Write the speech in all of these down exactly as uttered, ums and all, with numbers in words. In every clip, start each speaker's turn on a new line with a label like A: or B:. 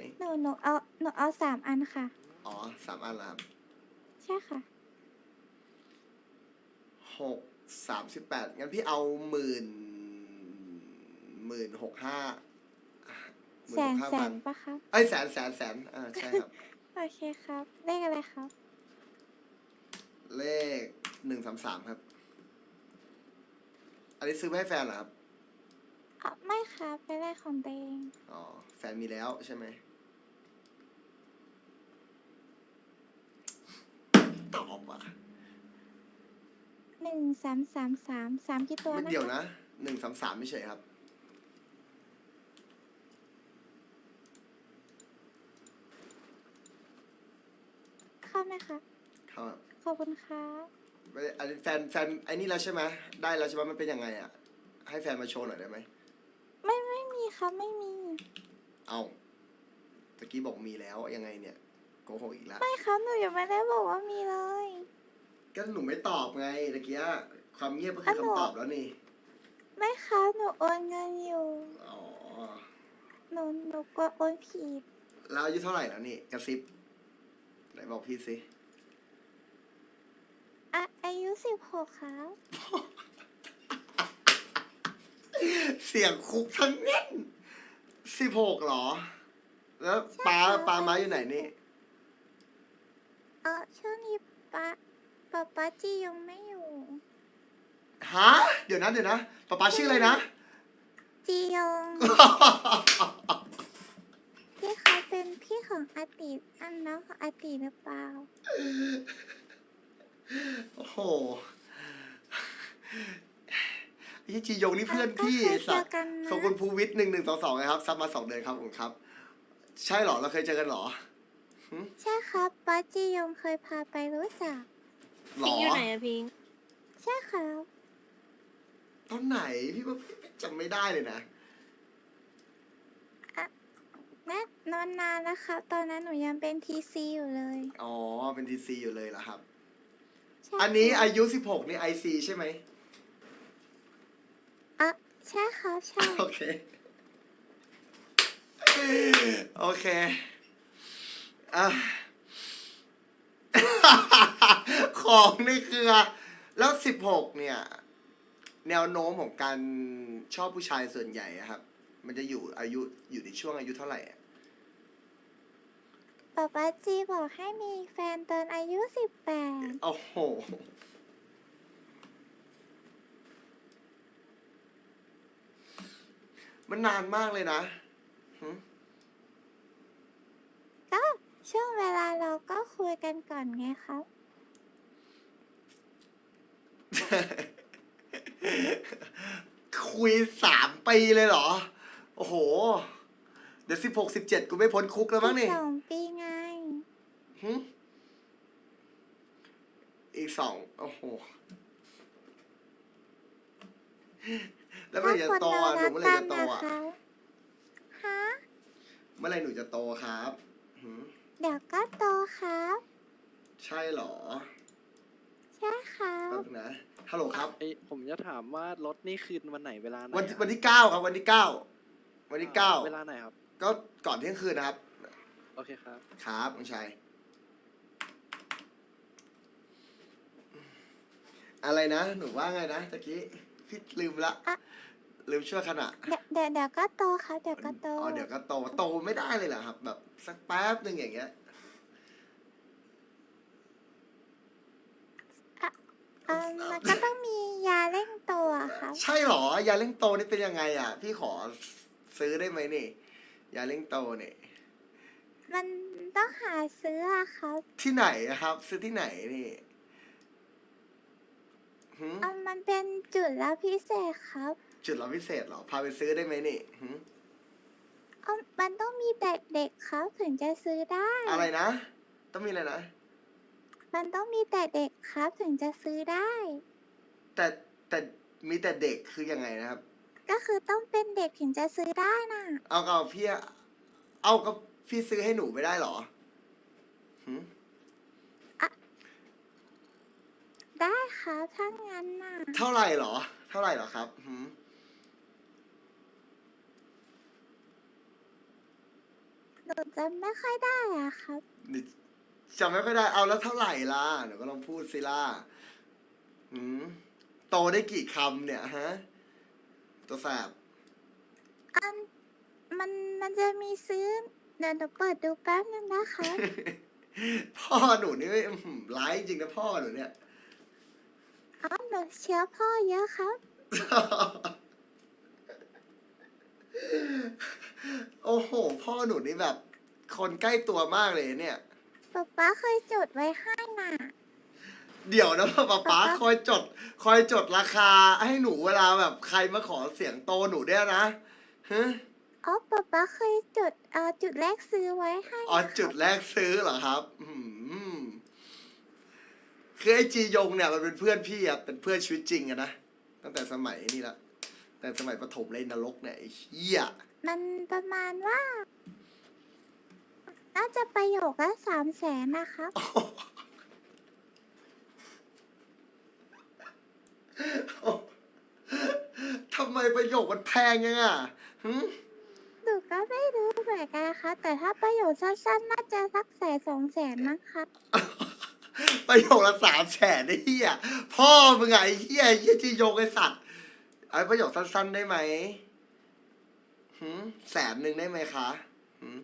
A: หนูหนูเอาหนูเอาสามอันค่ะ
B: อ๋อสามอันละครับ
A: ใช่ค่ะ
B: หกสามสิบแปดงั้นพี่เอาหมื่นหมื่นหกห้าหมื่
A: แส
B: นห
A: น
B: กห้า
A: แส
B: พั
A: น
B: น
A: ปะครับ
B: เอ้ยแสนแสนแสนอ่าใช่ครับ
A: โอเคครับ เลขอะไรครับ
B: เลขหนึ่งสามสามครับ อันนี้ซื้อมาให้แฟนเหรอครับ
A: อ๋อ ไม่ครับเป็นเลขของตัวเอง
B: อ๋อ แฟนมีแล้วใช่ไหมตอบอ่ะ
A: หนึ่งสามสามสามสามกี่ตัว
B: ไม่
A: นะ
B: เดี๋ยว
A: คะ
B: นะหนึ่งสามสามไม่ใช่ครับ
A: เข้าไหมคะ
B: ครับ
A: ขอบคุณครับ
B: อันนี้แฟนแฟนไอ้นี่แล้วใช่ไหมได้แล้วใช่ไหมมันเป็นยังไงอ่ะ ให้แฟนมาโชว์หน่อยได้ไหม
A: ไม่ไม่มีครับไม่มี
B: เอาตะกี้บอกมีแล้วยังไงเนี่ยโกหกอีกแล้ว
A: ไม่ครับหนูยังไม่ได้บอกว่ามีเลย
B: ก็หนูไม่ตอบไงตะกี้ความเงียบก็คือ
A: อ่ะหนู
B: คำตอบแล้วนี่
A: ไม่ครับหนูโอนเงินอยู่
B: อ๋อ
A: หนูหนูกลัวโอนผิด
B: แล้วอายุเท่าไหร่แล้วนี่กระซิบไหนบอกพี่สิ
A: อ่ะอายุสิบหกครับ
B: เสียงคุกทั้งเน้นสิบหกหรอ แล้วป้า
A: ใช่ครับ
B: ป้ามาอยู่ไหนนี่
A: เออช่วงนี้ป๊าป๊าป๊าจียังไม่อยู่
B: ฮะ เดี๋ยวนะเดี๋ยวนะป้าป้าชื่ออะไรนะ
A: จียง พี่เขาเป็นพี่ของอาติอันน้องของอาติหรือเปล่า
B: โอ้โหไอ้จียงนี่เพื่อนพี่
A: เราก็เคย
B: สัตว์
A: เจอกันนะ
B: ขอบคุณภูวิทย์หนึ่งหนึ่งสองสองนะครับซับมาสองเดือนครับผมครับ ใช่เหรอเราเคยเจอกันเหรอ
A: ใช่ครับป๊าจียงเคยพาไปรู้จัก
B: หร
C: พิง
B: อ
C: อยู่ไหนอะพิง
A: ใช่ครับ
B: ตอนไหนพี่ว่าพี่จำไม่ได้เลยนะ
A: และนานนานแล้วครับ ตอนนั้นหนูยังเป็นทีซีอยู่เลย
B: อ๋อ เป็นทีซีอยู่เลยเหรอครับ
A: ใช่
B: อันนี้
A: ครับ
B: อายุสิบหกนี่ไอซีใช่ไหม
A: อ่ะใช่ครับใช่
B: โอเค โอเคอ่ะ ของในเครือ แล้วสิบหกเนี่ย แนวโน้มของการชอบผู้ชายส่วนใหญ่อะครับ มันจะอยู่อายุอยู่ในช่วงอายุเท่าไหร่อะ
A: ป๊าป๊าจีบอกให้มีแฟนตอนอายุสิบแปด
B: โอ้โห มันนานมากเลยนะหึ
A: ก็ช่วงเวลาเราก็คุยกันก่อนไงครับ
B: คุยสามปีเลยเหรอ โอ้โห เดี๋ยวสิบหกสิบเจ็ดกูไม่พ้นคุกแล้วมั้งนี่
A: สองปีไง
B: หึอีกสองโอ้โห แล้วเมื่อไหร่จะโตอ่ะหนูเมื่อไหร่จะโตอ่ะ
A: ฮะ
B: เมื่อไหร่หนูจะโตครับหึ
A: เดี๋ยวก็โตครับ
B: ใช่เหรอ
A: ใช่ครับ
B: แป๊บนะฮัลโหลครับ
D: ไอผมจะถามว่ารถนี่คืนวันไหนเวลาไหน
B: วัน
D: อะ
B: วันที่เก้าครับ วันที่เก้าวันที่เก้า
D: เวลาไหนครับ
B: ก็ก่อนเที่ยงคืนนะครับ
D: โอเคครับ
B: ครับน้องชายอะไรนะ หนูว่าไงนะตะกี้พี่ลืมละ
A: อะ
B: ลืมชั่วขณะ
A: เดี๋ยวเดี๋ยวเดี๋ยวก็โตครับ เดี๋ยวก็โต
B: อ๋อเดี๋ยวก็โตโตไม่ได้เลยเหรอครับ แบบสักแป๊บหนึ่งอย่างเงี้ย
A: เออมันก็ต้องมียาเร่งโตอะครับ
B: ใช่เหรอยาเร่งโตนี่เป็นยังไงอ่ะ พี่ขอซื้อได้ไหมนี่ยาเร่งโตเนี่ย
A: มันต้องหาซื้ออะครับ
B: ที่ไหนอะครับ ซื้อที่ไหนนี่หืม
A: เออมันเป็นจุดแล้วพิเศษครับ
B: จุดรับพิเศษเหรอพาไปซื้อได้ไหมนี่หืม
A: เออมันต้องมีแต่เด็กครับถึงจะซื้อได้
B: อะไรนะ ต้องมีอะไรนะ
A: มันต้องมีแต่เด็กครับถึงจะซื้อได้
B: แต่แต่มีแต่เด็กคือยังไงนะครับ
A: ก็คือต้องเป็นเด็กถึงจะซื้อได้น่ะ
B: เอากับพี่อะเอากับพี่ซื้อให้หนูไม่ได้เหรอหืม
A: ได้ครับถ้างั้นน่ะ
B: เท่าไหร่เหรอ เท่าไหร่เหรอครับหืม
A: หนูจำไม่ค่อยได้อะครับ
B: นี่จำไม่ค่อยได้เอาแล้วเท่าไหร่ล่ะเดี๋ยวก็ลองพูดสิล่ะหืมโตได้กี่คำเนี่ยฮะ ตัวแสบ
A: อันมันมันจะมีซื้อเดี๋ยวหนูเปิดดูแป๊บนึงนะคะ
B: พ่อหนูนี่อื้อหือร้ายจริงนะพ่อหนูเนี่ย
A: อ๋อหนูเชื้อพ่อเยอะครับ
B: โอ้โห พ่อหนูนี่แบบ คนใกล้ตัวมากเลยเนี่ย
A: ป๊าป๊าเคยจดไว้ให้น่ะ
B: เดี๋ยวนะป๊าป๊า
A: ป๊า
B: คอยจด คอยจดราคาให้หนูเวลาแบบใครมาขอเสียงโตหนูได้วยนะฮะ
A: อ๋อป๊าป๊าเคยจดเอ่อจุดแรกซื้อไว้ให้
B: อ๋อ
A: นะครับ
B: จุดแรกซื้อเหรอครับอืมคือไอจียงเนี่ยมันเป็นเพื่อนพี่อะเป็นเพื่อนชีวิตจริงอะนะตั้งแต่สมัยนี่ละแต่สมัยประถมเลยนรกเนี่ยไอ้เหี้ย
A: มันประมาณว่า น่าจะประโยคละสามแสนนะครับ
B: ทำไมประโยคมันแพงยังอ่ะหึ
A: หนูก็ไม่รู้เหมือนกันค่ะ แต่ถ้าประโยคสั้นๆ น่าจะสักแสนสองแสนมั้งครับ
B: ประโยคละสามแสนไอ้เหี้ยพ่อมึงไงไอ้เหี้ยไอ้เหี้ยจียงไอ้สัตว์ไอ้ประโยคสั้นๆได้ไหมหึแสนหนึ่งได้ไหมคะหึ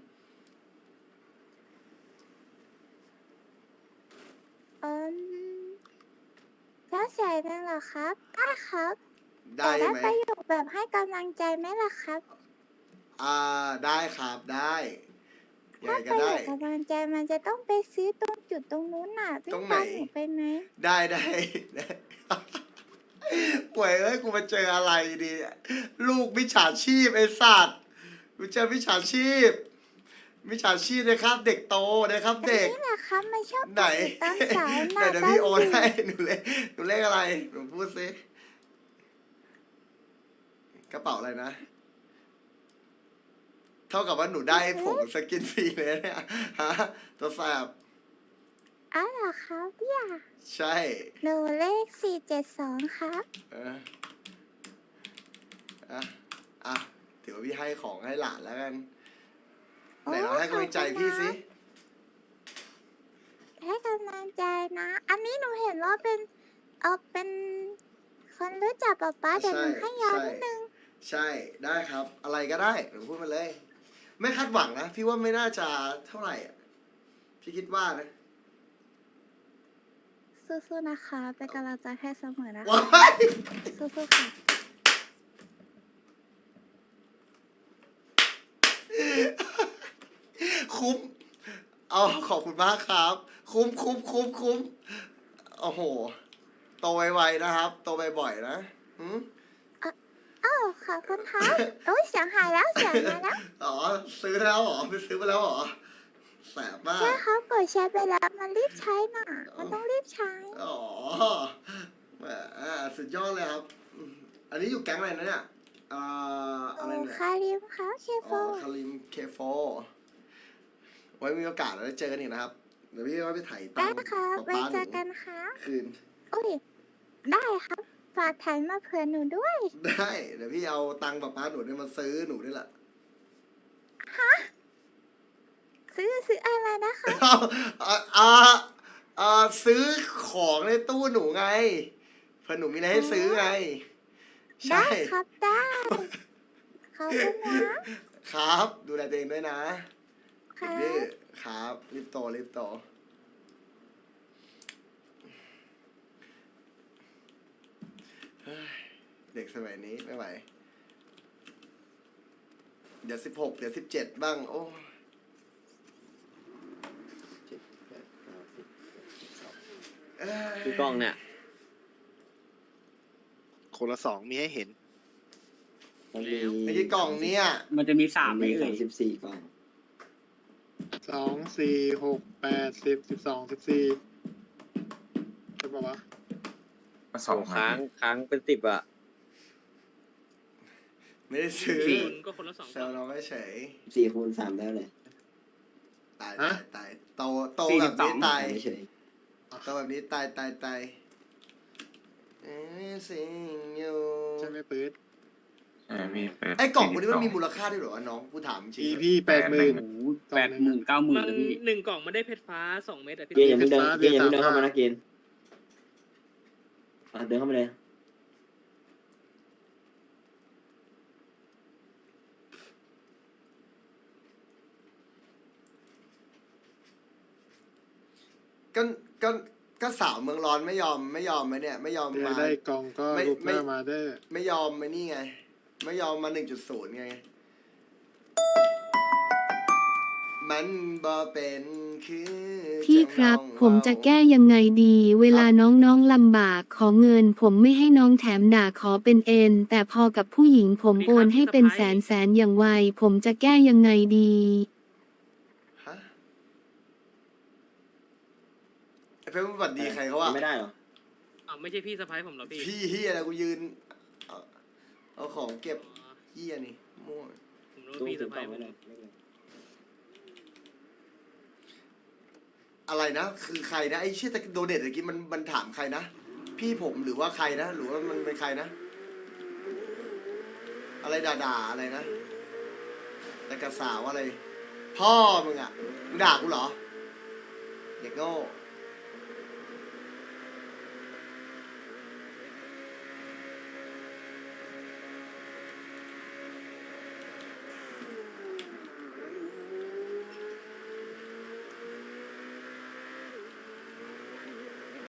A: อืมแล้วแสนนึงเหรอครับ ได้ครับ
B: ได้
A: แต่ได้
B: ไหม
A: ประโยคแบบให้กำลังใจไหมล่ะครับ
B: อ่าได้ครับได้ยัง
A: ถ้า
B: ไง
A: ป
B: ก็
A: ระโย
B: ได้
A: คกำลังใจมันจะต้องไปซื้อตรงจุดตรงนู้นน่ะวิ่
B: ตรง ง
A: ตาม
B: ไหน
A: หนูไปไหม
B: ได้ได้ได้ ป่วยเอ้ยกูมาเจออะไรดีลูกมิจฉาชีพไอ้สัตว์กูเจอมิจฉาชีพมิจฉาชีพนะครับ เด็กโตนะครับ
A: แต่
B: เด็ก
A: นี่แหละครับมันชอบ
B: ไหน
A: ตามสาย
B: ไหน
A: มา
B: เดี๋ยว
A: ตาม
B: พี่โอน
A: อยู่
B: ให้หนูเลขหนูเลขอะไรหนูพูดสิกระเป๋าอะไรนะ เท่ากับว่าหนูได้ผงสกินฟรีเลยเนี่ยฮะตัวแสบ
A: อ๋อเหรอครับเนี่ย
B: ใช่
A: หนูเลขสี่เจ็ดสองครับ
B: เอออ่ะอ่ะถือว่าพี่ให้ของให้หลานแล้วกัน ไหนเราให้กำลังใจพี่สิ
A: ให้กำลังใจนะ อันนี้หนูเห็นว่าเป็นเออเป็นคนรู้จักป๊าป๊าเดี๋ยวหนูให้ยานิดนึง
B: ใช่ได้ครับ อะไรก็ได้หนูพูดมาเลย ไม่คาดหวังนะ พี่ว่าไม่น่าจะเท่าไหร่อ่ะ พี่คิดว่านะ
A: สู้ๆนะคะเป็นกำลังใจให้เสมอนะคะ
B: ว้าย
A: สู้ๆค่ะ
B: คุ้มเอาขอบคุณมากครับ คุ้มคุ้มคุ้มคุ้มโอ้โห โตไวๆนะครับ โตบ่อยๆนะหืม
A: อ้าวขอบคุณครับโอ้ยเสียงหายแล้วเสียงหายแล้ว
B: อ๋อ ซื้อแล้วเหรอไปซื้อมาแล้วเหรอ แสบมาก
A: ใช่ครับกดแชร์ไปแล้วมันรีบใช้น่ะ มันต้องรีบใช้
B: อ๋อแหมสุดยอดเลยครับ อันนี้อยู่แก๊งอะไรนะเนี่ยเอ่ออะไร
A: โอ้
B: เนี่ย
A: คาริมครับเคโฟ
B: อ๋อคาริมเคโฟไว้มีโอกาสเราได้เจอกันอีกนะครับ เดี๋ยวพี่ว่าไปถ่ายตั
A: ได้
B: งค์
A: ครับ
B: ป๊า
A: ไว้
B: ป๊าห
A: เจ
B: นู
A: อกันค่ะ
B: คืน
A: โอ้ยได้ครับฝากถ่ายมาเผื่อหนูด้วย
B: ได้ เดี๋ยวพี่เอาตังค์ป๊าป๊าหนูเนี่ยมาซื้อหนูนี่แหละ
A: ซื้อซื้ออะไรนะคะ
B: เอาอ่าอ่าอ่าซื้อของในตู้หนูไงเพื่อหนูมีอะไรให้ซื้อไง ใช่
A: ได้ครับได้ขอบคุณนะครับ
B: ดูแลตัวเองด้วยนะ
A: ครั
B: นี่
A: บ
B: ครับรีบโตรีบโตเฮ้ยเด็กสมัยนี้ไม่ไหว เดี๋ยวสิบหกเดี๋ยวสิบเจ็ดบ้าง โอ้
C: เจ็ดแปดเก้าสิบสิบสอง
B: เอ้ย
C: คือกล้องเนี่ย
E: คนละสองมีให้เห็น
C: มันมี
B: ไอ้ที่กล่องเนี้ย
F: มันจะมีสาม
C: มัน
F: ไม่
C: มี
F: เอ่
C: สาย มสิบสี่กล้อง
E: สองสี่หกแปดสิบสิบสองสิบสี่ใช่ปะวะ
G: สอง
C: ค้างค้างเป็นสิบอ่ะ
B: ไม่ได้ซื้อ
F: คุณก็คนละสอง
B: แซวเราไม่เฉย
C: สี่คูณสามได้เลย
B: ตายตายตายโตโตแบบนี้ตาย
C: ไม่เฉย
B: โตแบบนี้ตายตายตาย Everything you
E: ใช่ไหมปื๊ด
G: เออพี่เปิด
B: ไอ้กล่องพวกนี้มันมี
G: สี่สิบส
B: มูลค่าด้วยเหรอวะน้องกูถามจริง
E: อี
B: ๆ
E: พี่แปดหมื่น
F: แปดหมื่นเก้าหมื่น
H: มัน
F: เลยพี่
H: หนึ่งกล่องมันได้เพชรฟ้าสองเม็ดอะพี่
C: เกณฑ์อย่าเพิ่งเดิน
E: ฟ้า
C: เกณฑ์อย่าเพิ่งเดิน
E: เดือน
C: เข้ามา
E: สาม
C: นะเกณฑ์อ่ะเดินเข้ามาเลย
B: ก็ก็ก็สาวเมืองร้อนไม่ยอมไม่ยอมไหมเนี่ยไม่ยอม
E: อยาก
B: มา
E: ได้กล่องก็
B: ไม่
E: รูปห
B: ไม่
E: น้ามาได้อ
B: ไม่ยอมมานี่ไง ไม่ยอมมาหนึ่งจุดศูนย์ไง มันบ่เป็นคือ
I: พี่ครับ
B: จังน้อง
I: ผมจะ
B: เว้า
I: แก้ยังไงดี เวลาน้องๆลำบากขอเงิน ผมไม่ให้น้องแถมด่าขอเป็นเอ็น แต่พอกับผู้หญิงผมโอนให้เป็นแสนแสนอย่างไว ผมจะแก้ยังไงดี
B: ฮะไอ้เพื่อนสวัสดีใครเขาว่า
C: ไม่ได้เหรอ
H: อ้าวไม่ใช่พี่สะพ้ายผมเหรอพี่
B: พี่เฮียอะไรกูยืน เอาเอาของเก็บ
H: อ๋อ
B: เฮียนี่มั่ว
H: ผมรู้
C: ตู้
H: ว่าพี่
C: ถึ
H: สะ
C: งก
H: พ้า
C: ล่อย ง
H: ผ
C: ไว้
H: ม
C: เลย
B: อะไรนะ คือใครนะ ไอ้เชี่ยตะโดเดตตะกี้มันมันถามใครนะ พี่ผมหรือว่าใครนะ หรือว่ามันเป็นใครนะ อะไรด่าๆอะไรนะ แต่กระสาวอะไร พ่อมึงอ่ะมึงด่ากูเหรอเด็กโง่